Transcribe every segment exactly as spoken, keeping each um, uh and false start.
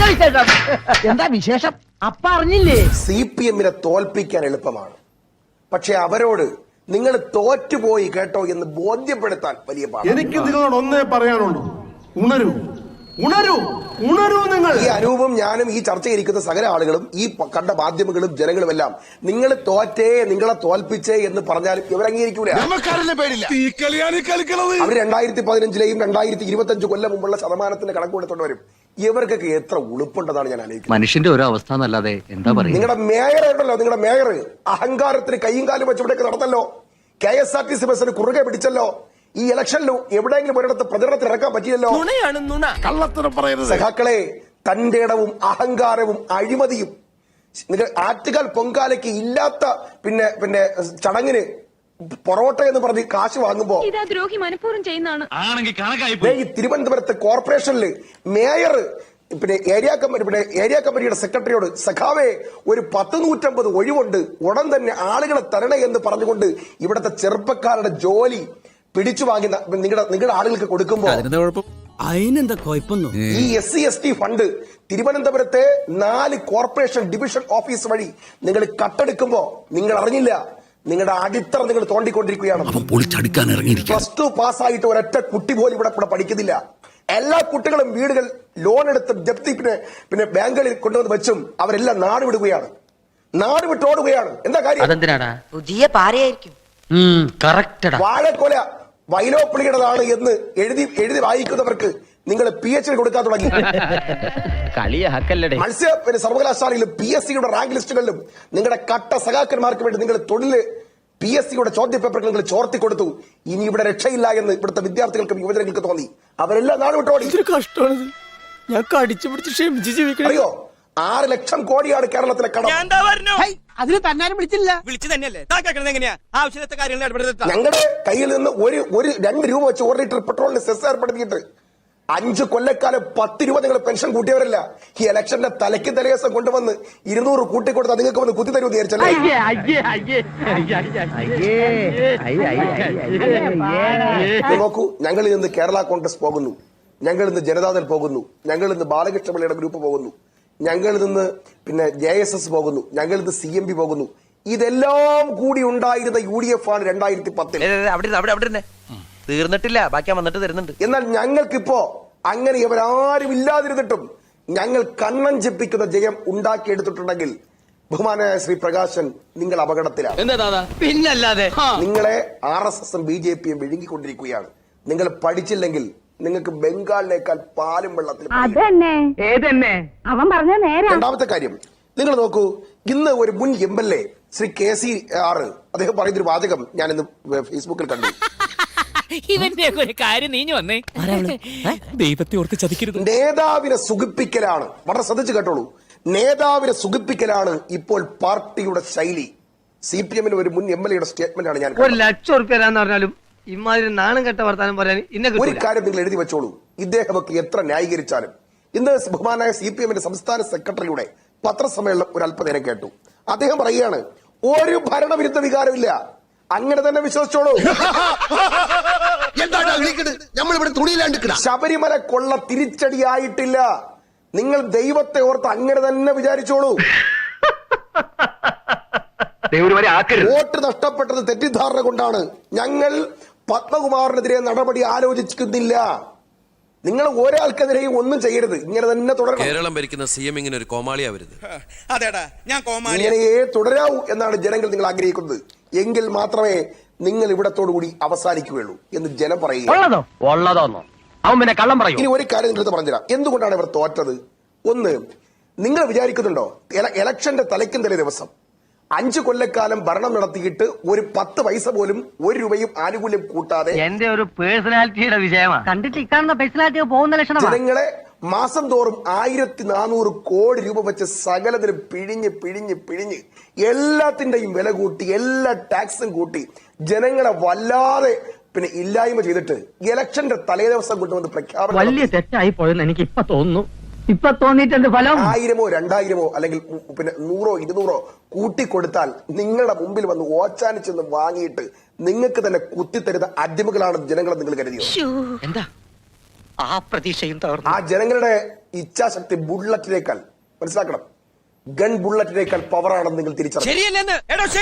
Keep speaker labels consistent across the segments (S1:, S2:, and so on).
S1: എന്താ വിശേഷം? അപ്പ അറിഞ്ഞില്ലേ?
S2: സി പി എമ്മിനെ തോൽപ്പിക്കാൻ എളുപ്പമാണ്, പക്ഷെ അവരോട് നിങ്ങൾ തോറ്റുപോയി കേട്ടോ എന്ന് ബോധ്യപ്പെടുത്താൻ വലിയ പാടാണ്.
S3: എനിക്ക് നിങ്ങളോട് ഒന്നേ പറയാനുള്ളൂ, ഉണരൂ ഉണരൂ ഉണരൂ. നിങ്ങൾ
S2: ഈ അനൂപും ഞാനും ഈ ചർച്ചയിരിക്കുന്ന സകല ആളുകളും ഈ കണ്ട മാധ്യമങ്ങളും ജനങ്ങളും എല്ലാം നിങ്ങൾ തോറ്റേ, നിങ്ങളെ തോൽപ്പിച്ചേ എന്ന് പറഞ്ഞാലും ഇവർ അംഗീകരിക്കൂല. അവർ രണ്ടായിരത്തി പതിനഞ്ചിലെയും രണ്ടായിരത്തി ഇരുപത്തി അഞ്ച് കൊല്ലം മുമ്പുള്ള ശതമാനത്തിന്റെ കണക്ക് കൊടുത്തോണ്ട് വരും. ഇവർക്കൊക്കെ എത്ര ഉളുപ്പുണ്ടെന്നാണ് ഞാൻ ആലോചിക്കുന്നത്.
S4: മനുഷ്യന്റെ ഒരു അവസ്ഥ എന്നല്ലാതെ എന്താ പറയുക.
S2: നിങ്ങളുടെ മേയർ ഉണ്ടല്ലോ, നിങ്ങളുടെ മേയർ അഹങ്കാരത്തിന് കൈയും കാലും വെച്ച് ഇവിടേക്ക് നടന്നല്ലോ. K S R T C ബസ്സിന് കുറുകെ പിടിച്ചല്ലോ. ഈ ഇലക്ഷനിലും എവിടെയെങ്കിലും ഒരിടത്ത് പ്രചരണത്തിൽ ഇറക്കാൻ പറ്റിയല്ലോ. സഖാക്കളെ, തന്റെ ഇടവും അഹങ്കാരവും അഴിമതിയും നിങ്ങൾ ആറ്റുകാൽ പൊങ്കാലയ്ക്ക് ഇല്ലാത്ത പിന്നെ പിന്നെ ചടങ്ങിന് പൊറോട്ട എന്ന് പറഞ്ഞ് കാശ് വാങ്ങുമ്പോ ഈ തിരുവനന്തപുരത്ത് കോർപ്പറേഷനിൽ മേയർ പിന്നെ ഏരിയ കമ്മിറ്റി പിന്നെ ഏരിയ കമ്മിറ്റിയുടെ സെക്രട്ടറിയോട് സഖാവേ ഒരു പത്ത് നൂറ്റമ്പത് ഒഴിവുണ്ട്, ഉടൻ തന്നെ ആളുകളെ തരണേ എന്ന് പറഞ്ഞുകൊണ്ട് ഇവിടുത്തെ ചെറുപ്പക്കാരുടെ ജോലി പിടിച്ചു വാങ്ങി നിങ്ങളുടെ നിങ്ങളുടെ ആളുകൾക്ക് കൊടുക്കുമ്പോ
S5: അതിനെന്താ കുഴപ്പമൊന്നു.
S2: ഈ S C S T fund തിരുവനന്തപുരത്തെ നാല് കോർപ്പറേഷൻ ഡിവിഷൻ ഓഫീസ് വഴി നിങ്ങൾ കട്ടെടുക്കുമ്പോ നിങ്ങൾ അറിഞ്ഞില്ല. നിങ്ങളുടെ അടിത്തറ നിങ്ങൾ തോണ്ടിക്കൊണ്ടിരിക്കുകയാണ്. പ്ലസ് ടു പാസ്സായിട്ട് ഒരൊറ്റ കുട്ടി പോലും ഇവിടെ ഇവിടെ പഠിക്കുന്നില്ല. എല്ലാ കുട്ടികളും വീടുകൾ ലോൺ എടുത്ത് ജപ്തി പിന്നെ പിന്നെ ബാങ്കുകളിൽ കൊണ്ടുവന്ന് വെച്ചും അവരെല്ലാം നാട് വിടുകയാണ്, നാട് വിട്ടോടുകയാണ്. എന്താ കാര്യം?
S1: പുതിയ പാരയായിരിക്കും.
S2: വാഴക്കൊല വൈലോപ്പിളിയുടേതാണ് എന്ന് എഴുതി എഴുതി വായിക്കുന്നവർക്ക് നിങ്ങൾ പി എച്ച് ഡി കൊടുക്കാൻ തുടങ്ങി. മത്സ്യ പിന്നെ സർവകലാശാലയിലും പി എസ് സിയുടെ റാങ്ക് ലിസ്റ്റുകളിലും നിങ്ങളുടെ കട്ട സഖാക്കന്മാർക്ക് വേണ്ടി നിങ്ങൾ തൊഴില് പി എസ് സിയുടെ ചോദ്യ പേപ്പറുകൾ നിങ്ങൾ ചോർത്തി കൊടുത്തു. ഇനി ഇവിടെ രക്ഷയില്ല എന്ന് ഇവിടുത്തെ വിദ്യാർത്ഥികൾക്കും യുവജനങ്ങൾക്ക് തോന്നി. അവരെല്ലാം നാട് വിട്ടോടി.
S5: ഞാൻ കടിച്ചു പിടിച്ച് ക്ഷമിച്ച് ജീവിക്കണം.
S2: അറിയോ, ആറ് ലക്ഷം കോടിയാണ് കേരളത്തിലെ കടം.
S1: അതിന് തന്നാരും വിളിച്ചില്ല.
S2: ഞങ്ങളുടെ കയ്യിൽ നിന്ന് ഒരു ഒരു രണ്ട് രൂപ വെച്ച് ഒരു ലിറ്റർ പെട്രോളിന് സെസ് ഏർപ്പെടുത്തിയിട്ട് അഞ്ച് കൊല്ലക്കാലം പത്ത് രൂപ നിങ്ങൾ പെൻഷൻ കൂട്ടിയവരല്ല. ഈ ഇലക്ഷന്റെ തലയ്ക്ക് തലേസം കൊണ്ടുവന്ന് ഇരുന്നൂറ് കൂട്ടിക്കൊടുത്ത് നിങ്ങൾക്ക് വന്ന് കുത്തി തരുമെന്ന് വിചാരിച്ചല്ലേ? നോക്കൂ, ഞങ്ങളിൽ നിന്ന് കേരള കോൺഗ്രസ് പോകുന്നു, ഞങ്ങളിൽ നിന്ന് ജനതാദൾ പോകുന്നു, ഞങ്ങളിൽ നിന്ന് ബാലകൃഷ്ണ പിള്ളയുടെ ഗ്രൂപ്പ് പോകുന്നു, ഞങ്ങളിൽ നിന്ന് പിന്നെ ജെ എസ് എസ് പോകുന്നു, ഞങ്ങളിൽ നിന്ന് സി എം പി പോകുന്നു. ഇതെല്ലാം കൂടി ഉണ്ടായിരുന്ന യു ഡി എഫ് ആണ് രണ്ടായിരത്തി പത്തിൽ.
S6: തീർന്നിട്ടില്ല, ബാക്കി വന്നിട്ട് തരുന്നുണ്ട്.
S2: എന്നാൽ ഞങ്ങൾക്കിപ്പോ അങ്ങനെ ഇവരാരും ഇല്ലാതിരുന്നിട്ടും ഞങ്ങൾ കണ്ണൻ ജപ്പിക്കുന്ന ജയം ഉണ്ടാക്കിയെടുത്തിട്ടുണ്ടെങ്കിൽ ബഹുമാനായ ശ്രീ പ്രകാശൻ, നിങ്ങൾ അപകടത്തിലാണ്.
S1: പിന്നല്ലാതെ
S2: നിങ്ങളെ ആർ എസ് എസും ബി ജെ പിയും വിഴുങ്ങിക്കൊണ്ടിരിക്കുകയാണ്. നിങ്ങൾ പഠിച്ചില്ലെങ്കിൽ നിങ്ങൾക്ക് ബംഗാളിനേക്കാൾ പാലും വെള്ളത്തിൽ. രണ്ടാമത്തെ കാര്യം, നിങ്ങൾ നോക്കൂ, ഇന്ന് ഒരു മുൻ M L A Shri K C R അദ്ദേഹം പറയുന്നൊരു വാചകം ഞാൻ ഇന്ന് ഫേസ്ബുക്കിൽ കണ്ടു.
S7: ഇവന്റെ ഒരു കാര്യം നീഞ്ഞു വന്നേ, ദൈവത്തെ ഓർത്ത് ചതിക്കരുത്.
S2: നേതാവിനെ സുഖിപ്പിക്കലാണ്, വളരെ ശ്രദ്ധിച്ചു കേട്ടോളൂ, നേതാവിനെ സുഖിപ്പിക്കലാണ് ഇപ്പോൾ പാർട്ടിയുടെ ശൈലി. സി പി എമ്മിന് ഒരു മുൻ എം എൽ എയുടെ സ്റ്റേറ്റ്മെന്റ് ആണ് ഞാൻ.
S1: ഒരു ലക്ഷം ഉറുപ്പ്യ പറഞ്ഞാലും ഇമാതിരി നാണം കെട്ട വർത്താനം പറയാൻ
S2: ഒരു കാര്യം നിങ്ങൾ എഴുതി വെച്ചോളൂ, ഇദ്ദേഹമൊക്കെ എത്ര ന്യായീകരിച്ചാലും. ഇന്ന് ബഹുമാനായ സി പി എമ്മിന്റെ സംസ്ഥാന സെക്രട്ടറിയുടെ പത്രസമ്മേളനം ഒരു അല്പനേരം കേട്ടു. അദ്ദേഹം പറയുകയാണ്, ഒരു ഭരണവിരുദ്ധ വികാരമില്ല, അങ്ങനെ തന്നെ വിശ്വസിച്ചോളൂ. ശബരിമല കൊള്ള തിരിച്ചടിയായിട്ടില്ല, നിങ്ങൾ ദൈവത്തെ ഓർത്ത് അങ്ങനെ തന്നെ വിചാരിച്ചോളൂ. വോട്ട് നഷ്ടപ്പെട്ടത് തെറ്റിദ്ധാരണ കൊണ്ടാണ്. ഞങ്ങൾ പത്മകുമാറിനെതിരെ നടപടി ആലോചിക്കുന്നില്ല. നിങ്ങൾ ഒരാൾക്കെതിരെയും ഒന്നും ചെയ്യരുത്, ഇങ്ങനെ തന്നെ തുടരണം.
S8: കേരളം ഭരിക്കുന്ന സി എം ഇങ്ങനെ ഒരു കോമാളിയാവരുത്.
S2: ഇങ്ങനെയേ തുടരാവൂ എന്നാണ് ജനങ്ങൾ നിങ്ങൾ ആഗ്രഹിക്കുന്നത്. എങ്കിൽ മാത്രമേ നിങ്ങൾ ഇവിടത്തോടു കൂടി അവസാനിക്കുകയുള്ളൂ എന്ന് ജനം പറയുക. ഇനി ഒരു കാര്യം നിങ്ങൾക്ക് പറഞ്ഞുതരാം, എന്തുകൊണ്ടാണ് ഇവർ തോറ്റത്. ഒന്ന്, നിങ്ങൾ വിചാരിക്കുന്നുണ്ടോ ഇലക്ഷന്റെ തലയ്ക്കും തലേ ദിവസം അഞ്ചു കൊല്ലക്കാലം ഭരണം നടത്തിയിട്ട് ഒരു പത്ത് പൈസ പോലും ഒരു രൂപയും ആനുകൂല്യം കൂട്ടാതെ
S1: എന്റെ ഒരു പേഴ്സണാലിറ്റിയുടെ വിജയമാണ് കണ്ടിട്ട് ഇക്കാണുന്ന പേഴ്സണാലിറ്റി പോകുന്ന ലക്ഷണം.
S2: ജനങ്ങളെ മാസം തോറും ആയിരത്തി നാനൂറ് കോടി രൂപ വെച്ച് സകലത്തിനും പിഴിഞ്ഞ് പിഴിഞ്ഞ് പിഴിഞ്ഞ് എല്ലാത്തിന്റെയും വില കൂട്ടി എല്ലാ ടാക്സും കൂട്ടി ജനങ്ങളെ വല്ലാതെ പിന്നെ ഇല്ലായ്മ ചെയ്തിട്ട് ഇലക്ഷന്റെ തലേ ദിവസം കൊണ്ടുവന്ന് പ്രഖ്യാപനം
S1: വലിയ തെറ്റായി പോയെന്ന് എനിക്ക് ഇപ്പൊ തോന്നുന്നു. ഇപ്പൊ തോന്നിയിട്ടുണ്ട് ഫലം.
S2: ആയിരമോ രണ്ടായിരമോ അല്ലെങ്കിൽ പിന്നെ നൂറോ ഇരുന്നൂറോ കൂട്ടിക്കൊടുത്താൽ നിങ്ങളുടെ മുമ്പിൽ വന്ന് ഓച്ചാനിച്ചെന്ന് വാങ്ങിയിട്ട് നിങ്ങൾക്ക് തന്നെ കുത്തിത്തരുന്ന അടിമകളാണ് ജനങ്ങളെ നിങ്ങൾ കരുതിയോ?
S1: എന്താ ആ പ്രതീക്ഷയും
S2: ആ ജനങ്ങളുടെ ഇച്ഛാശക്തി ബുള്ളറ്റിനേക്കാൾ മനസ്സിലാക്കണം, ഗൺ ബുള്ളറ്റിനേക്കാൾ പവറാണെന്ന് നിങ്ങൾ തിരിച്ചറിയണം.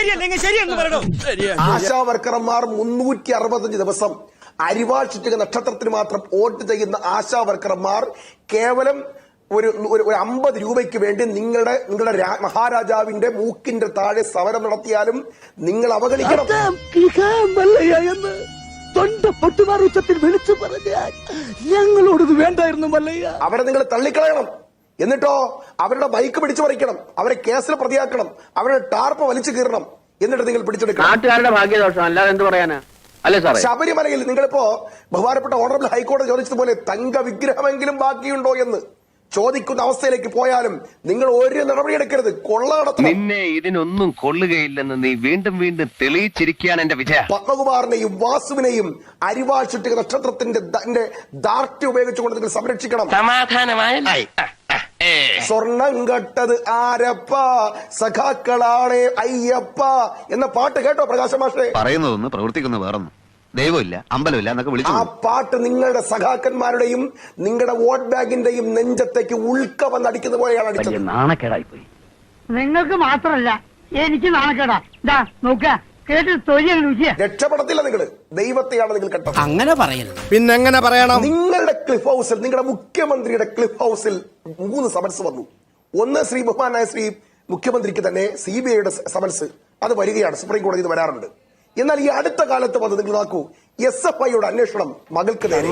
S2: ആശാ വർക്കർമാർ മുന്നൂറ്റി അറുപത്തഞ്ച് ദിവസം അരിവാൾ ചുറ്റുക നക്ഷത്രത്തിന് മാത്രം വോട്ട് ചെയ്യുന്ന ആശാ വർക്കർമാർ കേവലം ഒരു ഒരു അമ്പത് രൂപയ്ക്ക് വേണ്ടി നിങ്ങളുടെ നിങ്ങളുടെ മഹാരാജാവിന്റെ മൂക്കിന്റെ താഴെ സമരം നടത്തിയാലും നിങ്ങൾ അവഗണിക്കണം.
S5: എന്ന് തൊണ്ട പൊട്ടുമാറുച്ചത്തിൽ വിളിച്ചു പറഞ്ഞാൽ ഞങ്ങളോടത് വേണ്ടായിരുന്നു മല്ലയ്യ.
S2: അവരെ നിങ്ങൾ തള്ളിക്കളയണം. എന്നിട്ടോ അവരുടെ ബൈക്ക് പിടിച്ചു പറിക്കണം, അവരെ കേസിൽ പ്രതിയാക്കണം, അവരുടെ ടാർപ്പ് വലിച്ചു കീറണം, എന്നിട്ട് നിങ്ങൾ പിടിച്ചെടുക്കണം.
S1: നാട്ടുകാരുടെ ഭാഗ്യദോഷം അല്ലാതെ എന്ത് പറയാനാ? അല്ലേ സാറേ,
S2: ശബരിമലയിൽ നിങ്ങളിപ്പോ ബഹുമാനപ്പെട്ട ഓണറബിൾ ഹൈക്കോടതി ചോദിച്ചതുപോലെ തങ്ക വിഗ്രഹമെങ്കിലും ബാക്കിയുണ്ടോ എന്ന് ചോദിക്കുന്ന അവസ്ഥയിലേക്ക് പോയാലും നിങ്ങൾ ഒരു നടപടിയെടുക്കരുത്. കൊള്ള നടത്തണം.
S6: നിന്നെ ഇതിനൊന്നും കൊള്ളുകയില്ലെന്ന് നീ വീണ്ടും വീണ്ടും തെളിയിച്ചിരിക്കുകയാണ് എന്റെ വിജയ.
S2: പത്മകുമാറിനെയും വാസുവിനെയും അരിവാൾ ചുറ്റുക നക്ഷത്രത്തിന്റെ ദാർഢ്യം ഉപയോഗിച്ചുകൊണ്ട് നിങ്ങൾ സംരക്ഷിക്കണം.
S6: സമാധാനമായി
S2: സ്വർണം കട്ടത് ആരപ്പ സഖാക്കളാണേ അയ്യപ്പ എന്ന പാട്ട് കേട്ടോ പ്രകാശ് മാഷേ?
S4: പറയുന്നതൊന്ന് പ്രവർത്തിക്കുന്ന വേറൊന്നും. ദൈവമില്ല, അമ്പലമില്ല എന്നൊക്കെ വിളിച്ചു.
S2: ആ പാട്ട് നിങ്ങളുടെ സഖാക്കന്മാരുടെയും നിങ്ങളുടെ വോട്ട് ബാങ്കിന്റെയും നെഞ്ചത്തേക്ക് ഉൾക്ക വന്നടിക്കുന്ന പോലെയാണ് അടിച്ചത്.
S1: നാണക്കേടായി പോയി.
S9: നിങ്ങൾക്ക് മാത്രല്ല എനിക്ക് നാണക്കേടാ. ഇതാ നോക്ക കേട്ട് തൊഴിൽ രുചിയ.
S2: രക്ഷപ്പെടത്തില്ല നിങ്ങൾ, ദൈവത്തെയാണ് നിങ്ങൾ കണ്ടത്.
S5: അങ്ങനെ പറയരുത്. പിന്നെങ്ങനെ പറയണം?
S2: നിങ്ങളുടെ ക്ലിഫ് ഹൗസിൽ, നിങ്ങളുടെ മുഖ്യമന്ത്രിയുടെ ക്ലിഫ് ഹൗസിൽ മൂന്ന് സമൻസ് വന്നു. ഒന്ന് ശ്രീ ബഹുമാനായ ശ്രീ മുഖ്യമന്ത്രിക്ക് തന്നെ സി ബി ഐയുടെ സമൻസ് അത് വരികയാണ്, സുപ്രീം കോടതിയിൽ വരാറുണ്ട്. എന്നാൽ ഈ അടുത്ത കാലത്ത് വന്ന് നിങ്ങൾ നോക്കൂ, എസ് എഫ് ഐയുടെ അന്വേഷണം മകൾക്ക് നേരെ.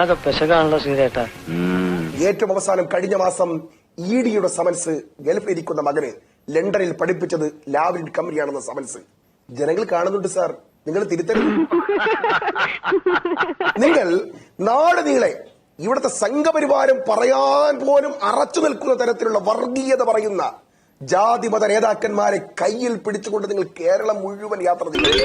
S2: ഏറ്റവും അവസാനം കഴിഞ്ഞ മാസം ഇ ഡിയുടെ സമൻസ് ഗൾഫിലിരിക്കുന്ന മകന് ലണ്ടനിൽ പഠിപ്പിച്ചത് ലാവ്ലിൻ കമ്പനിയാണെന്ന സമൻസ് ജനങ്ങൾ കാണുന്നുണ്ട് സാർ. നിങ്ങൾ തിരുത്തരുത്. നിങ്ങൾ നാട് നീളെ ഇവിടുത്തെ സംഘപരിവാരം പറയാൻ പോലും അറച്ചു നിൽക്കുന്ന തരത്തിലുള്ള വർഗീയത പറയുന്ന ജാതിമത നേതാക്കന്മാരെ കയ്യിൽ പിടിച്ചുകൊണ്ട് നിങ്ങൾ കേരളം മുഴുവൻ യാത്ര ചെയ്യും.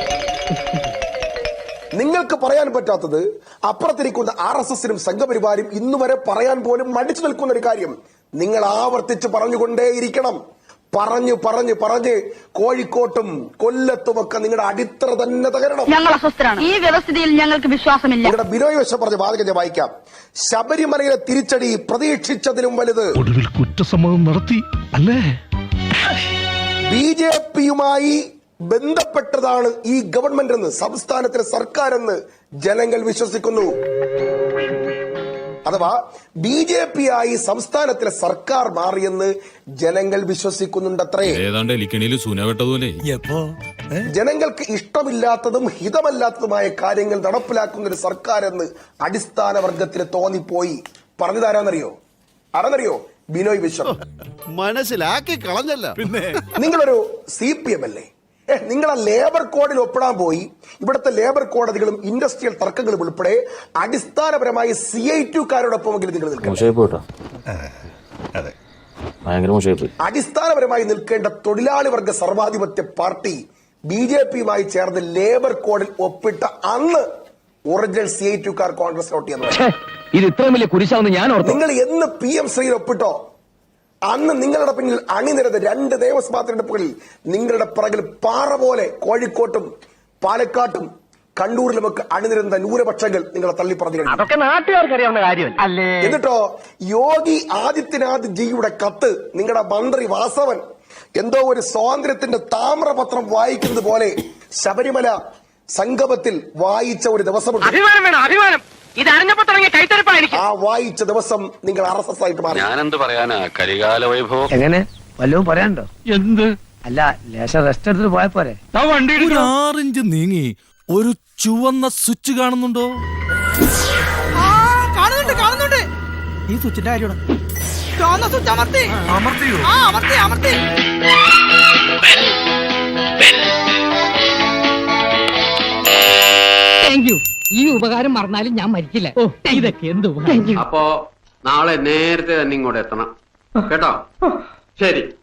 S2: നിങ്ങൾക്ക് പറയാൻ പറ്റാത്തത് അപ്പുറത്തിരിക്കുന്ന ആർ എസ് എസിനും സംഘപരിവാരും ഇന്നുവരെ പറയാൻ പോലും മടിച്ചു നിൽക്കുന്ന ഒരു കാര്യം നിങ്ങൾ ആവർത്തിച്ച് പറഞ്ഞുകൊണ്ടേയിരിക്കണം. പറഞ്ഞു പറഞ്ഞ് പറഞ്ഞ് കോഴിക്കോട്ടും കൊല്ലത്തുമൊക്കെ നിങ്ങളുടെ അടിത്തറ തന്നെ തകരണം.
S9: ഞങ്ങൾ അസ്വസ്ഥരാണ്. ഈ വ്യവസ്ഥിതിയിൽ ഞങ്ങൾക്ക് വിശ്വാസമില്ല.
S2: നിങ്ങളുടെ ബിനോയ് വശം പറഞ്ഞ വാദകം ഞാൻ വായിക്കാം. ശബരിമലയിലെ തിരിച്ചടി പ്രതീക്ഷിച്ചതിലും വലുത്.
S3: ഒടുവിൽ കുറ്റസമ്മതം നടത്തി അല്ലേ?
S2: ബി ജെ പിയുമായി ബന്ധപ്പെട്ടതാണ് ഈ ഗവൺമെന്റ് എന്ന്, സംസ്ഥാനത്തിലെ സർക്കാർ എന്ന് ജനങ്ങൾ വിശ്വസിക്കുന്നു. അഥവാ ബി ജെ പി ആയി സംസ്ഥാനത്തിലെ സർക്കാർ മാറിയെന്ന് ജനങ്ങൾ വിശ്വസിക്കുന്നുണ്ടത്രേ. ജനങ്ങൾക്ക് ഇഷ്ടമില്ലാത്തതും ഹിതമല്ലാത്തതുമായ കാര്യങ്ങൾ നടപ്പിലാക്കുന്ന ഒരു സർക്കാർ എന്ന് അടിസ്ഥാന വർഗത്തിന് തോന്നിപ്പോയി. പറഞ്ഞതാരാന്നറിയോ? ആരാന്നറിയോ? ബിനോയ് വിശ്വം.
S3: മനസ്സിലാക്കി കളഞ്ഞല്ല. പിന്നെ
S2: നിങ്ങളൊരു സി പി എം അല്ലേ? നിങ്ങൾ ആ ലേബർ കോഡിൽ ഒപ്പിടാൻ പോയി. ഇവിടുത്തെ ലേബർ കോടതികളും ഇൻഡസ്ട്രിയൽ തർക്കങ്ങളും ഉൾപ്പെടെ അടിസ്ഥാനപരമായി സി ഐ ടുക്കാരോടൊപ്പമെങ്കിലും നിങ്ങൾ നിൽക്കണം. അടിസ്ഥാനപരമായി നിൽക്കേണ്ട തൊഴിലാളി വർഗ സർവാധിപത്യ പാർട്ടി ബി ജെ പിയുമായി ചേർന്ന് ലേബർ കോഡിൽ ഒപ്പിട്ട അന്ന് ഒറിജിനൽ സി ഐ ടുക്കാർ കോൺഗ്രസ് വോട്ട് ചെയ്യുന്നത്.
S1: ഇത് ഇത്രയും വലിയ കുരിശാവുന്ന ഞാൻ ഓർത്തു.
S2: നിങ്ങൾ എന്ന് പി എം ശ്രീയിൽ ഒപ്പിട്ടോ അന്ന് നിങ്ങളുടെ പിന്നിൽ അണിനിരത് രണ്ട് നിയമസഭാ തെരഞ്ഞെടുപ്പുകളിൽ നിങ്ങളുടെ പിറകിൽ പാറ പോലെ കോഴിക്കോട്ടും പാലക്കാട്ടും കണ്ണൂരിലുമൊക്കെ അണിനിരുന്ന ന്യൂനപക്ഷങ്ങൾ നിങ്ങളെ തള്ളിപ്പറഞ്ഞു.
S1: അതൊക്കെ നാട്ടുകാർക്ക് അറിയാവുന്ന കാര്യം അല്ലേ?
S2: എന്നിട്ടോ യോഗി ആദിത്യനാഥ് ജിയുടെ കത്ത് നിങ്ങളുടെ മന്ത്രി വാസവൻ എന്തോ ഒരു സ്വാതന്ത്ര്യത്തിന്റെ താമ്രപത്രം വായിക്കുന്നത് പോലെ ശബരിമല സംഗമത്തിൽ വായിച്ച ഒരു ദിവസമുണ്ട്.
S1: അഭിമാനം വേണം, അഭിമാനം. ഇത് അറിഞ്ഞപ്പോ തുടങ്ങിയ കൈത്തരപ്പായിരിക്കും.
S2: ആ വായിച്ച ദിവസം നിങ്ങൾ ആർ എസ് എസ് ആയിട്ട് മാറി.
S6: ഞാനെന്ത് പറയാനാ, കരികാല വൈഭവം.
S1: എങ്ങനെ വല്ലതും പറയാനുണ്ടോ? എന്ത്? അല്ല, ലേശം റെസ്റ്റ് എടുത്തിട്ട് പോയ പോരെ?
S5: ഒരു ആറിഞ്ച് നീങ്ങി ഒരു ചുവന്ന സ്വിച്ച് കാണുന്നുണ്ടോ?
S9: കാണുന്നുണ്ട് കാണുന്നുണ്ട്.
S5: ഈ സ്വിച്ചിന്റെ കാര്യമാണ്.
S9: ചുവന്ന സ്വിച്ച് അമർത്തി.
S5: അമർത്തിയോ?
S9: ആ അമർത്തി അമർത്തി. Thank you. ഈ ഉപകാരം മറന്നാലും ഞാൻ മരിക്കില്ല. ഓ, ഇതൊക്കെ എന്ത് ഉപകാരം.
S10: അപ്പോ നാളെ നേരത്തെ തന്നെ ഇങ്ങോട്ട് എത്തണം കേട്ടോ? ശരി.